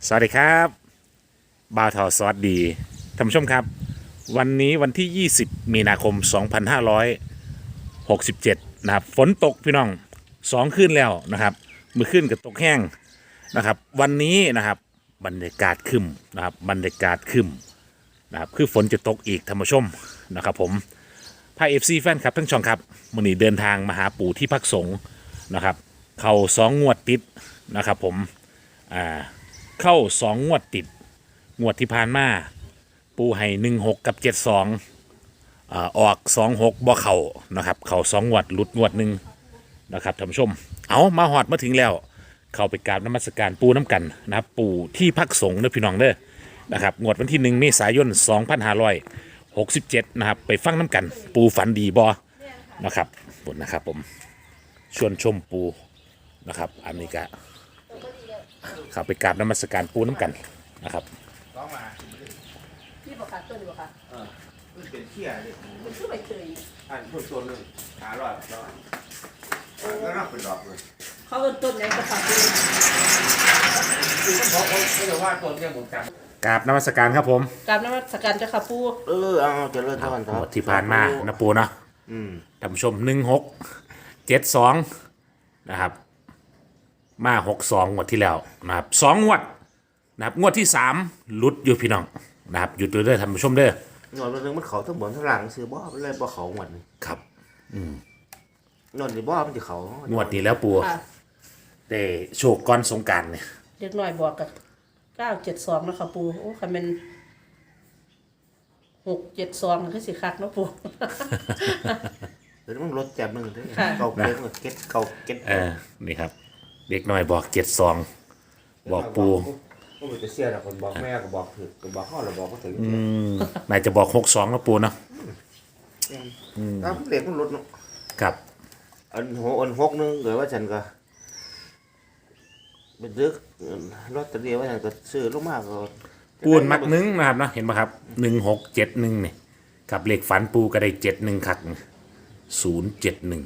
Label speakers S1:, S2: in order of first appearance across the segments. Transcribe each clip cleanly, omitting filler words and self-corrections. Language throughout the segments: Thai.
S1: สวัสดีครับบ่าวทอซอสดีท่านผู้ชมครับวันนี้วันที่ 20 มีนาคม 2567นะครับฝนตกพี่น้อง2 คืนแล้วนะครับมือขึ้นกับตกแห้งนะครับวันนี้นะครับบรรยากาศครึ้มนะครับบรรยากาศครึ้มนะครับคือฝนจะตกอีกท่านผู้ชมนะครับผมพาFCแฟนครับทั้งช่องครับวันนี้เดินทางมาหาปู่ที่พักสงฆ์นะครับเข้า2 งวดติดนะครับผมเข้า2 งวดติดงวดที่ผ่านมาปูให้16กับ72ออก26บ่เข่านะครับเข่า2 งวดหลุดงวดหนึ่งนะครับท่านผู้ชมเอามาหอดมาถึงแล้วเข้าไปกราบนมัสการปูน้ำกันนะครับปูที่พักสงฆ์เด้อพี่น้องเด้อนะครับงวดวันที่1 เมษายน 2567นะครับไปฟังน้ำกันปูฝันดีบอนะครับบนนะครับผมชวนชมปูนะครับอันนี้ก็เข้าไปกราบนมัสการปูน้ำกันนะครับ
S2: ร้องมา
S3: พี่บอกค่ะตัวนี้บอกค่ะ
S2: มันเป็นเขี้ยเลย
S3: มันชื่อใบเตย
S2: อันพูดตัวหนึงหาร้อยร้อยแล้วนับเป็นดอกเลย
S3: เขาเป็นต้นไหนก็ค่ะพี่
S2: คือต้องบอกเขาจะว่าตัวเนี่ยผมจ
S1: กราบนมัสการครับผม
S3: กราบนมัสการเจ้าค่ะปู่
S2: ำเอาเจริญพรค
S1: ห
S2: รั
S1: มดที่ผ่านมานะปูเนาะ
S2: อืม
S1: ท่านผู้ชม1672นะครับมา62งวดที่แล้วนะครับ2 งวดนะครับงวดที่3หลุดอยู่พี่น้องนะครับหยุดอยู่เด้อท่านผู้ชมเด้อ
S2: หน่อยนึงมันเขาทั้งบนทั้งหลังซื้อบ่มันเลยบ่เขาหมดนี่
S1: ครับ
S2: หน่อยนี่บ่มันจะเขา
S1: งวดนี้แล้วปู
S3: ค่ะ
S1: ได้โชคก้อนสงกรารเนี่ย
S3: เด็กหน่อยบอกกับ972แล้วค่ะปู่โอ้คันเป็น672คือสิคักเนาะปู่
S2: เดี๋ยวมันลดแจมนึงเด้
S3: ค่ะ
S2: เก่าเก็ตเก็ตเก่าเก็ต
S1: นี่ครับเด็กน้อยบอก72บอกปู
S2: ก็มันจะเสียแต่คนบอกแม่ก็บอกถึกก็บอกพ่อเราบอกก็ถึง
S1: นายจะบอก62แล้วปูเนาะ
S2: ถ้าเด็กมันลดเนาะ
S1: ครับ
S2: อันหกนึงเกิดว่าฉันก็เป็นซึกรถตะเดียวว่าฉันก็ซื้อลงมากก็
S1: ปูนมักนึงนะครับเนาะเห็นไหมครับ1671นี่กับเลขฝันปูก็ได้71คัก071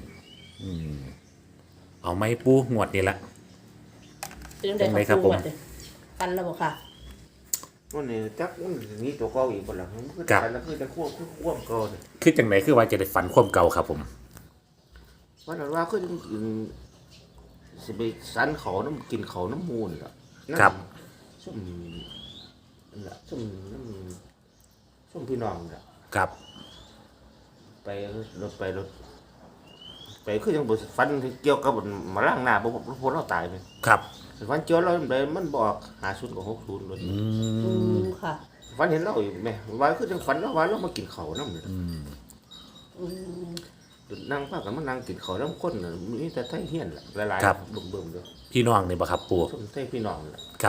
S1: เอาไหมปูงวดนี้ละ
S3: เป็นจังได๋
S1: ครั
S3: ค่ะ
S1: บ
S3: ปู่
S1: ผม
S3: ว่าเด้กันแล้วบ่ค่ะ
S2: วันนี้จักมันมีตัวเก่าอีกบ่ล่ะมันก็ตายแล้วคือจะควบเก่าเนี่ย
S1: คือจังไหนคือว่าจะได้ฝันความเก่าครับผม
S2: ว่าแต่ว่าคือสิไปสันเขาน้ำกินเขาน้ำมูลล่ะซุ่มนั่นล่ะซุ่มน้ำซุ่มพี่น้องล่ะ
S1: ครับ
S2: ไปรถไปคือยังบ่ฟันที่เกี่ยวกับมาล้างหน้าบ่พวกเราตายไป
S1: ครับ
S2: ฟันเจียวเราได้มันบอก50กับ60รถ
S3: ค่ะ
S2: ฟันเห็นเราอยู่แม่ว่าคือจังฟันเราว่าเรามากินเขานำนั่งพากันมานั่งกินเขาน้ำข้นน่ะมีแต่ไทยเฮียนล่ะหลายๆเบิ่มๆเด้อ
S1: พี่น้องนี่บ่ครับปู
S2: ส้มไทยพี่น้องล่ะ
S1: ครับ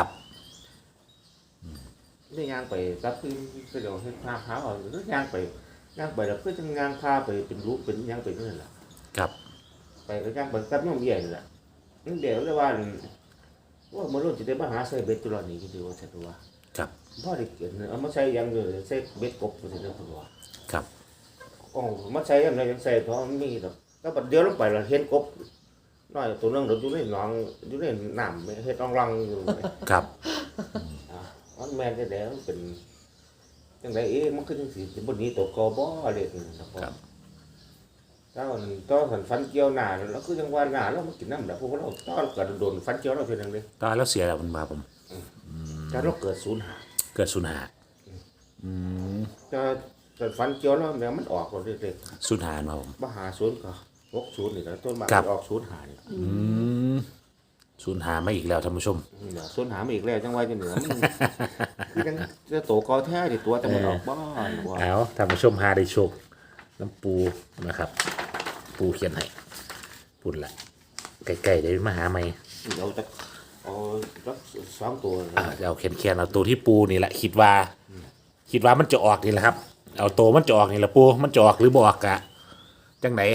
S2: ได้ย่างไปกับคือเดี๋ยวเฮ็ดพาพาเอาหรือย่างไปแล้วคือจังย่างพาไปเป็นรูปเป็นย่างไปนั่นล่ะ
S1: ครับ
S2: ไปก็ย่างไปกับน้องใหญ่นั่นล่ะนั่นเดี๋ยวเลยว่ามื้อรุ่นสิได้มาหาใส่เบ็ดตุลอนี่คือว่าซั่นว่า
S1: ครับ
S2: บ่ได้เกินเอามาใส่อย่างเดียวใส่เบ็ดกบซั่นเด้อว่า
S1: ครับ
S2: อ๋อมาใส่ยังไงยังใส่เพราะมันมีดอกแล้วบัดเดียวลงไปแล้วเห็นกบน้อยตัวนึงอยู่ในหนองอยู่ในน้ำเฮ็ดรังอยู่
S1: ครับ
S2: มันแม่นได้แล้วเป็นจังได๋มันคือจังซี่สิบ่หนีตกกบ่เลยนะครับถ้ามันต่อสันฟันเกี่ยวหน้าแล้วคือจังว่าหน้าเรามากินน้ำแล้วพวกเราต่อก็โดนฟันเกี่ยวเราเท่านั้นเลย
S1: ตอนแล้วเสียแล้วมันมาผม
S2: ถ้าเราเกิดศูนย์หา
S1: เกิดสุนหา
S2: ถ้าฟันเกี่ยวเราเนี่ยมันออกเราเด็ก
S1: สุนหามาผม
S2: ๆบ่หาศูนย์ก็60นี่ก็ต้นมา
S1: ครับ
S2: ออกศูนย์หานี่
S1: สุนหามาอีกแล้วท่านผู้ชม
S2: ศูนย์หามาอีกแล้วจังว่าจังเหนือมันคือจังจะโตกอแท้ดิตัวแต่มันออกบ่ว่า
S1: เอาท่านผู้ชมหาได้โชคน้ำปูนะครับ ปูเขียนให้ปุ่นละไก่ๆได้มาหาไหม
S2: เอาจักเอาจัก2ตัว
S1: เอาเขียนเอาตัวที่ปูนี่แหละคิดว่ามันจะออกนี่แหละครับ เอาตัวมันจะออกนี่แหละปูมันจะออกหรือบ่ออกกะจังไหน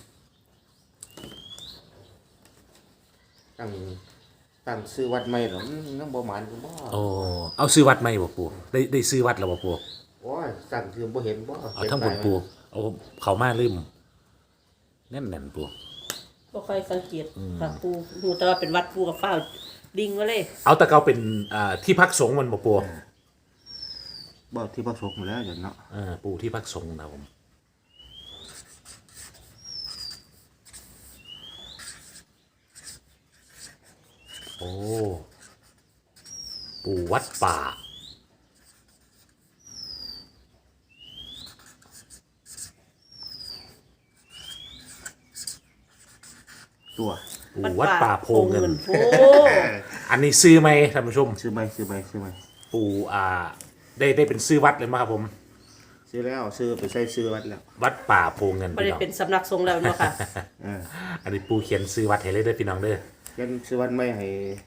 S2: ตั้งซื้อวัดใหม่หรอนังบ่หมานก็บ่
S1: โอ้เอาซื้อวัดไหมบ่ปูได้ซื้อวัดแล้วบ่ปู
S2: โอ้ยสั่งคือบ่เห็นบ่
S1: เอาทั้งบนปูเอาเขามาลืมแน่นปู
S3: บ่ค่อยสังเกตค่ะปู่ฮู้แต่ว่าเป็นวัดปู่กับฟ้าวดิ่งไว้เลย
S1: เอาตะเกาเป็นที่พักสงฆ์มันบ่ปู
S2: บ่ที่พระสงฆ์แล้วอย่างเนาะ
S1: ปูที่พักสงฆ์นะครับผมโอ้ปูวัดป่า
S2: ตัว
S1: ปูวัดป่าโพเงิน
S3: โอ้
S1: อันนี้ซื้อไหมท่านผู้ชม
S2: ซื้อไหม
S1: ปูได้เป็นซื้อวัดเลยมั้งครับผม
S2: ซื้อแล้วซื้อไปใส่ซื้อวัดแล้ว
S1: วัดป่าโพเงิน
S3: ไม่
S1: พี่
S3: ได้
S1: น้อง
S3: เป็นสำนักสงฆ์แล้วเนาะค่ะ
S1: อันนี้ปูเขียนซื้อวัดให้เลยเด้อพี่น้องเด้อ
S2: ยันซื้อวัดไม่ให้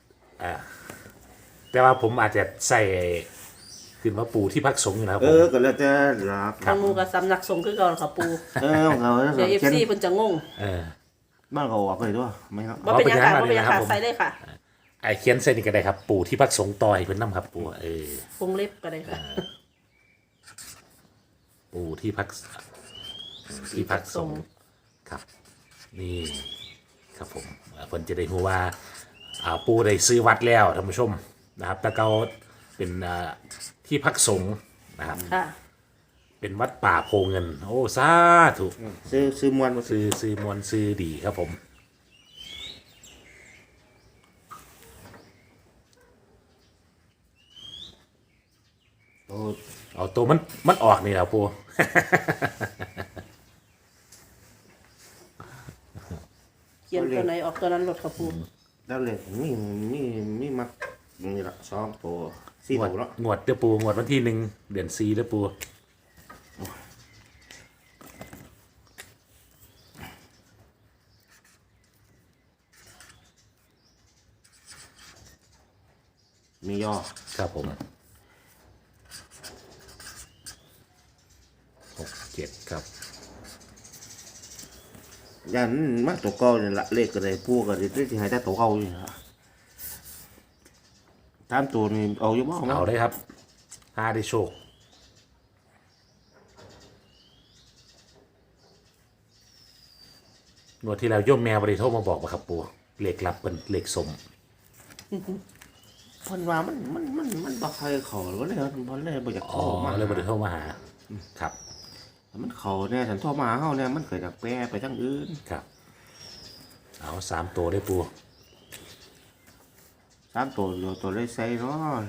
S1: แต่ว่าผมอาจจะใส่ขึ้นว่าปูที่พักสงฆ์อยู่นะครับผม
S2: ก็แล้วแต่รัก
S3: ทางหมูกับสำนักสงฆ์คือเก่าค่ะปู
S2: เขา
S3: เดี๋ยว
S2: เขียน
S3: FC เพิ่นจะงง
S2: บ้านเขาออกเลยด้วยไม่ครับ
S3: ว่าเป็นหยังค่ะว่าเป็นหยังค่ะใส่เลยค่ะ
S1: ไอเขียนเส้นนี่ก็ได้ครับ ปูที่พักสงฆ์ต่อยเพิ่นน้ำครับปู
S3: วงเล็บก็ได้ค่ะ
S1: ปูที่พักสงฆ์ครับ นี่ครับผมเพิ่นจะได้รู้ว่าปูได้ซื้อวัดแล้วท่านผู้ชมนะครับแต่เกาเป็นที่พักสงฆ์นะครับ
S3: ค่ะ
S1: เป็นวัดป่าโพเงิน โอ้สาธุ
S2: ซื้อมวนมาซื้อ
S1: ซื้อมวลซื้อดีครับผม
S2: โอ้
S1: เอาตัวมันออกนี่แหละปู
S3: เขียนตัวไหนออกตัวนั้นหลดค่ะปู
S2: แล้วเลยมีมักนี่ละสองตัวสี่
S1: งวด
S2: ตัวแล้ว
S1: งวดเด้อปูงวดวันที่1 เดือน4เด้อปู
S2: มีย่อ
S1: ครับผม6 7ครับ
S2: ยันมาตัวเก่าเนี่ยละเลขก็ได้พวกก็ได้ที่หายแต่ตัวเก่าอยู่ละตามตัวนี่เอาอยู่บ้าง
S1: เอาได้ครับห้าได้โชคงวดที่แล้วโยมแมวบริโทรมาบอกว่าครับปูเลขลับเป็นเลขสม
S2: พันว่ามันบ่เคยเขาหรือว่าเลยมันเลยบ่อยาก
S1: อ๋อ
S2: เข้ามา
S1: เลยบริโทรมาหาครับ
S2: มันเขาเนี่ยฉันโทรมาหาเขาเนี่ยมันเกิดจากแปรไปทั้งอื่น
S1: ครับ เอา3 ตัวได้ปู
S2: ตามตัวเลยใส่เนาะ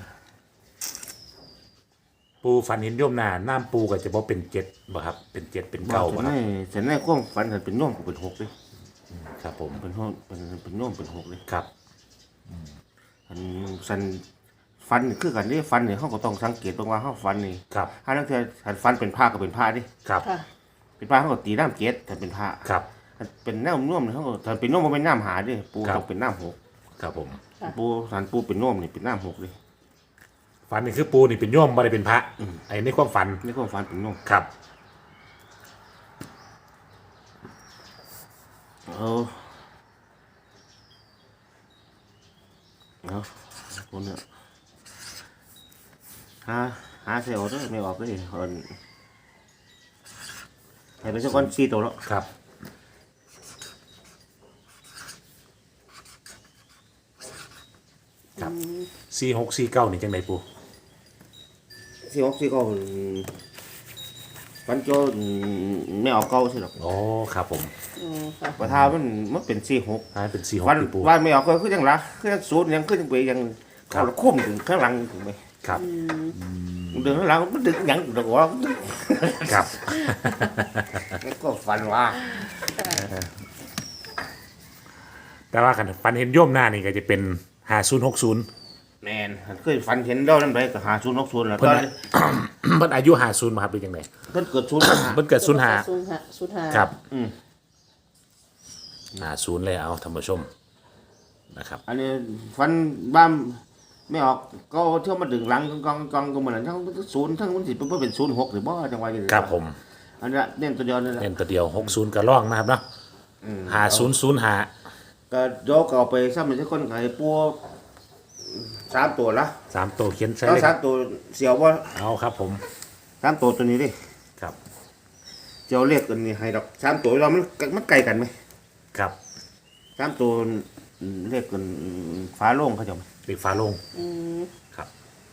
S1: ปูฝันเห็นโยมนาน้ำปูก็จะบอกเป็น7บ่ครับเป็น7เป็น9บ่ครับ
S2: ฉันในความฝันฉันเป็นน่วมกูเป็นหกเลย
S1: ครับผม
S2: เป็นน่วมเป็นหกเลย
S1: ครับ
S2: ฉันฟันคือกันนี่ฟันเนี่ยเขาก็ต้องสังเกตตรงว่าเขาฟันนี่
S1: ครับ
S2: ถ้าตั้งแต่ฉันฟันเป็นผ้าก็เป็นผ้าดิ
S1: ครับ
S3: ค่ะ
S2: เป็นผ้าเขาก็ตีน้ำเกล็ดแต่เป็นผ้า
S1: ครับ
S2: ถ้าเป็นน้ำน่วมเขาก็ถ้าเป็นน่วมมันเป็นน้ำหาดิปู
S1: ครับ
S2: ต้องเป็นน้ำหก
S1: ครับผม
S2: ปูสันปูเป็นน่วมนี่เป็นน้ำหกเลย
S1: ฝันนี่คือปูนี่เป็นโยมไม่ได้เป็นพระไอ้นี่ความฝัน
S2: นี่ก็ฟันเป็นน่วม
S1: ครับ
S2: เอาคนเนี่ยหาเซลล์ด้วยไม่ออกเลยคนให้เป็นสักคนสี่ตัวแล้ว
S1: ครับ ครับ4649นี่จังไดปู
S2: สี่หกสี่ก็ฟันโจไม่ออกเก้าใช่หรอก
S1: อ๋อครับผม
S3: ค่ะ
S2: ประธามันเป็นสี่หก
S1: ให้เป็น
S2: วัน
S1: 46ที่ปู
S2: วันไม่ออกก็คือยังละคือศูนย์ยังขึ้นไปยัง
S1: ครั
S2: เข้า
S1: บ
S2: ละคุ้มถึงข้างหลังถึงไป
S1: ครับ
S2: เดินข้างหลังมันดึงยังดึงว่า
S1: ครับ
S2: แล้วก็ฟันว่า
S1: แต่ว่าคันฝันเห็นโยมหน้านี่ก็จะเป็น5060
S2: แมนเคยฟันเห็นเรานั่นไปก็หาศูนย์หกศูนย์แล้ว
S1: เพิ่
S2: ต
S1: น
S2: อน
S1: น่ะ
S2: นี้
S1: เพิ่นอายุ50มาครับเป็นจังได
S2: เพิ่นเกิดศูนย์
S1: เพิ่นเกิด05
S3: ศูนย์ห้า
S1: ครับ
S2: อืม
S1: 50เลยเอาท่านผู้ชมนะครับ
S2: อันนี้ฟันบ้ามไม่ออกก็เที่ยวมาดึงหลังกองก็เหมือนทั้งศูนย์ทั้งมันสิเพิ่นเป็นศูนย์หกหรือบ่จังหวะนี้
S1: ครับผม
S2: อันนี้เน้นตัวเดียวนี่แหละ
S1: เน้นตัวเดียว60ก็ล่องนะครับเนาะ5005
S2: ก็โยกเอาไปซ้ำอีกสักคนไอ้ปัว3ตัวละ
S1: 3ตัวเขียนใส่
S2: แล้ว
S1: เลยครับ
S2: 3ตัวเสียวบ่
S1: เอาครับผม
S2: 3ตัวตัวนี้ดิ
S1: ครับ
S2: เจียวเลขกันนี่ให้ดอก3ตัวเรามันไกลกันไหม
S1: ครับ
S2: 3ตัวเลขกันฟ้าโล่งเขาจะ
S1: เด็กฟ้าโลง
S3: อืม
S1: ครับ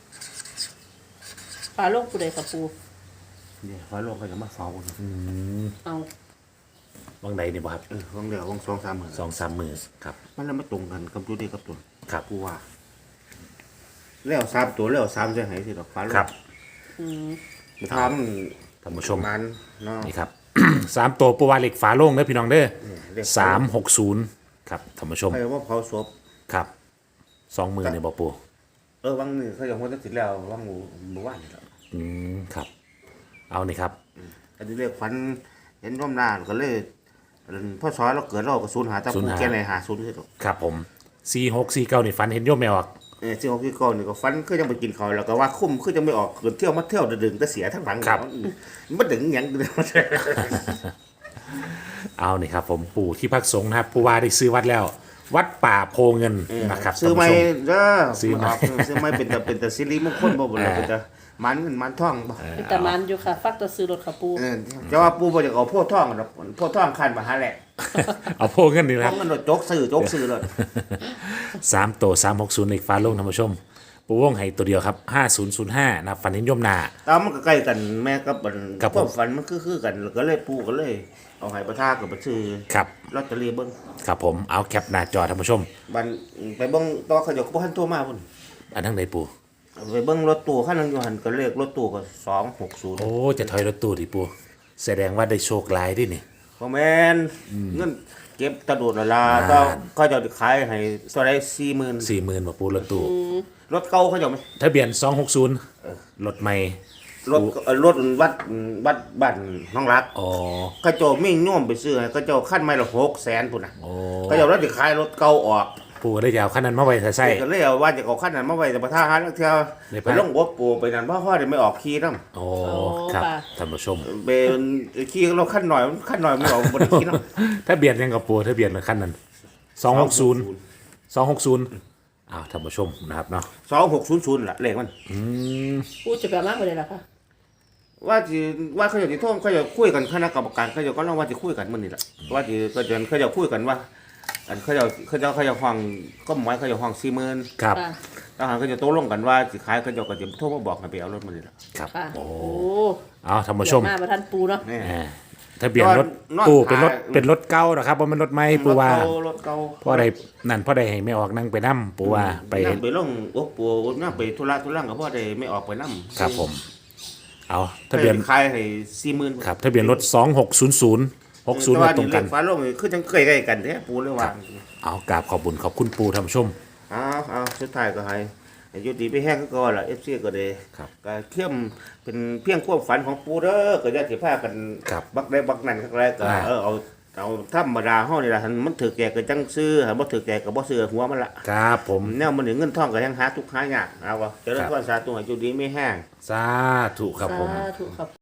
S3: ปลาโลกผู้ใดค่ะปู
S2: เนี่ยฟ้าโล่งเขาจะมาเฝ้า
S3: เอา
S1: วังใดนี่บ่ครับ
S2: ของเดียวของ2-3 มื้อ
S1: 2-3 มื้อครับ
S2: มันแล้วมาตรงกันกับตัวนี้กับตัว
S1: ครับ
S2: กูว่าแล้ว3ตัวแล้ว3จะให้สิดอกฟ้าโล่ง
S1: ครับ
S3: อืม
S2: มันทำ
S1: ท่านผู้ชม
S2: มันเนาะ
S1: นี่ครับ 3 ตัวปูว่าเหล็กฝาโล่งเด้อพี่น้องเด้อ
S2: เลข
S1: 360ครับท่านผู้ชม
S2: ใครว่าเผาศพ
S1: ครับ2 มื้อนี่บ่ปู
S2: วังนี่เขาจะหัวจะติดแล้ววังหมู่บ้านนี่แหละ
S1: ครับ เอานี่ครับ
S2: อันนี้เรียกฝันเห็นร่มหน้าก็เลยพ่อสอนเราเกิดเราก็สูญหาตะปูแก่ไหนหาสูญที่สุด
S1: ครับผม4649นี่ฟันเห็นโยมแมวอ่ะ
S2: ที่เขาพี่ก้อนนี่ก็ฝันคือยังไปกินเขาวแล้วก็ว่าคุ้มคือยังไม่ออกเกินเที่ยวมาเที่ยวดึงแต่เสียทั้งหลังมันดึงอย่างเดียว
S1: เอานี่ครับผมปู่ที่พักสงฆ์นะครับผู้ว่าได้ซื้อวัดแล้ว วัดป่าโพเงินนะครับ
S2: ซื้อไม่
S1: ท่านผู้ชม
S2: เด้อ
S1: ซื้อไหม
S2: ซื้อไม่เป็นแต่ซิริมงคลบ่บ่ล่ะเป็นแต่มันเงินมันทองบ่
S3: มีแต่มันอยู่ค่ะ ฟักแตะซื้อรถค่ะปู
S2: จะว่าปู่บ่จะเอาโพธิ์ทองดอกโพธิ์ทองคันมาหาแหละ
S1: เอาโพเงินนี่นะค
S2: ทอ
S1: รั
S2: ง
S1: บ
S2: เงินโจกซื้อเลย
S1: 3ตัว360อีกฟ้าโลงท่านผู้ชม ปู่วงให้ตัวเดียวครับ5005นะครับฟันเห็นโยมนา
S2: ตามมันก็ใกล้กันแม่กับ
S1: ครับผม
S2: ความฝันมันคือกันก็เลยปู่ก็เลย เอาให้ประทากับบ่ซื้อ
S1: ครับ
S2: ลอตเตอรี่เบิ่ง
S1: ครับผมเอาแคปหน้าจอท่านผู้ชม
S2: บันไปเบิ่งต่อเขาเจ้าก็บ่ทันโทรมาพุ่น
S1: อันทั้งใดปู่
S2: ไปเบิ่งรถตู้คันนึงอยู่หั่นก็เลขรถตู้ก็260
S1: โอ้จะถอยรถตู้ดิปู่แสดงว่าได้โชคหลายดินี่
S2: บ่แม่นเงินเก็บตะโดดละลาก็เขาเจ้าสิขายให้เท่าใด40,000
S1: 40,000บ่ปู่รถตู้
S2: รถเก่าเขาเจ้าไหม
S1: ทะเบียน260รถใหม่
S2: รถวัดบ้านน้องรัก
S1: อ๋อ
S2: เขาเจ้ามีโยมไปซื้อให้เขาเจ้าคันไม้ละ600,000พุ่นน่ะ
S1: โอ้
S2: เขาเจ้าเราสิขายรถเก่าออก
S1: ปู่ก็ได้ยาวขั้นนั้นมาไว้ใส่
S2: ก็เลยเอาว่าจะเอาคันนั้นมาไว้แต่ประทาหาเที่ยว
S1: ใน
S2: ไป
S1: ภาค
S2: ลงบ่ปูไปนั่นเพราะว่าได้ไม่ออกขี่นำ
S1: โอ้ครับท่านผู้ชม
S2: เป็นขี่เราขั้นหน่อยไม่ออกบนขี่เนาะ
S1: ถ้าเบียดยังกับปูถ้าเบียดขั้นนั้น260อ้าวท่านผู้ชมนะครับเนาะ
S2: 2600ล่ะเลขมัน
S3: ปูจะแบบมากไปเลยล่ะค่ะ
S2: ว่าเขาจะโทษเขาจะคุยกันคณะกรรมการเขาจะก็เล่าว่าจะคุยกันมื้อนี้ล่ะว่าจะเขาจะคุยกันว่าอันเขาจะห้องก็หมายเขาจะห้อง40,000
S1: ครับ
S3: ค่ะ
S2: ทหารเขาจะโต้ลงกันว่าสิขายเขาจะก็จะโทรมาบอกให้ไปเอารถมื้อนี้ล่ะ
S1: ครับ
S3: ค่ะ
S1: โอ้
S3: โอ้
S1: เอาท่านผู้ชม
S3: มาประทันปูเนาะ
S2: นี่
S1: อ่าถ้าเบียดรถ
S2: นอน
S1: ตู้เป็นรถ
S2: ขาย
S1: เป็นรถเก่านะครับว่ามันรถใหม่ปูว่าร
S2: ถเก่า
S1: พ่อใดนั่นพ่อใดให้ไม่ออกนั่งไปนั่ปูว่าไป
S2: นั่งไปลงโอ้ปู่นั่งไปธุระกับพ่อได้ไม่ออกไปนำ
S1: ครับผม เอาทะเบียน
S2: ขายให้40,000
S1: ครับทะเบียนรถ260060มาตรงกัน
S2: ฟ้าโลงนี่คือจังใกล้ๆกันแท้ปู่เลยว่า
S1: เอากราบขอบคุณปูท่านผู้ชม
S2: เอาสุดท้ายก็ให้อยู่ดีไปแห้งก็ก่อนล่ะ FC ก็ได้
S1: ครับ
S2: ก็เข้มเป็นเพียงความฝันของปู่เด้อก็อย่าสิพากัน
S1: ครับ
S2: บักได้บักนั่นคักแรกก็
S1: อ่า
S2: เอาธรรมดาเฮานี่ล่ะหันมันถือแก่ก็จังซื้อหันบ่ถือแก่ก็บ่ซื้อหัวมันละ
S1: ครับผม
S2: แนวมันนี่เงินทองก็ยังหาทุกข์หายากเอาว่าเจริญพรสาธุให้อยู่ดีไม่แห้ง
S1: สาธุครับผม
S3: สาธุครับ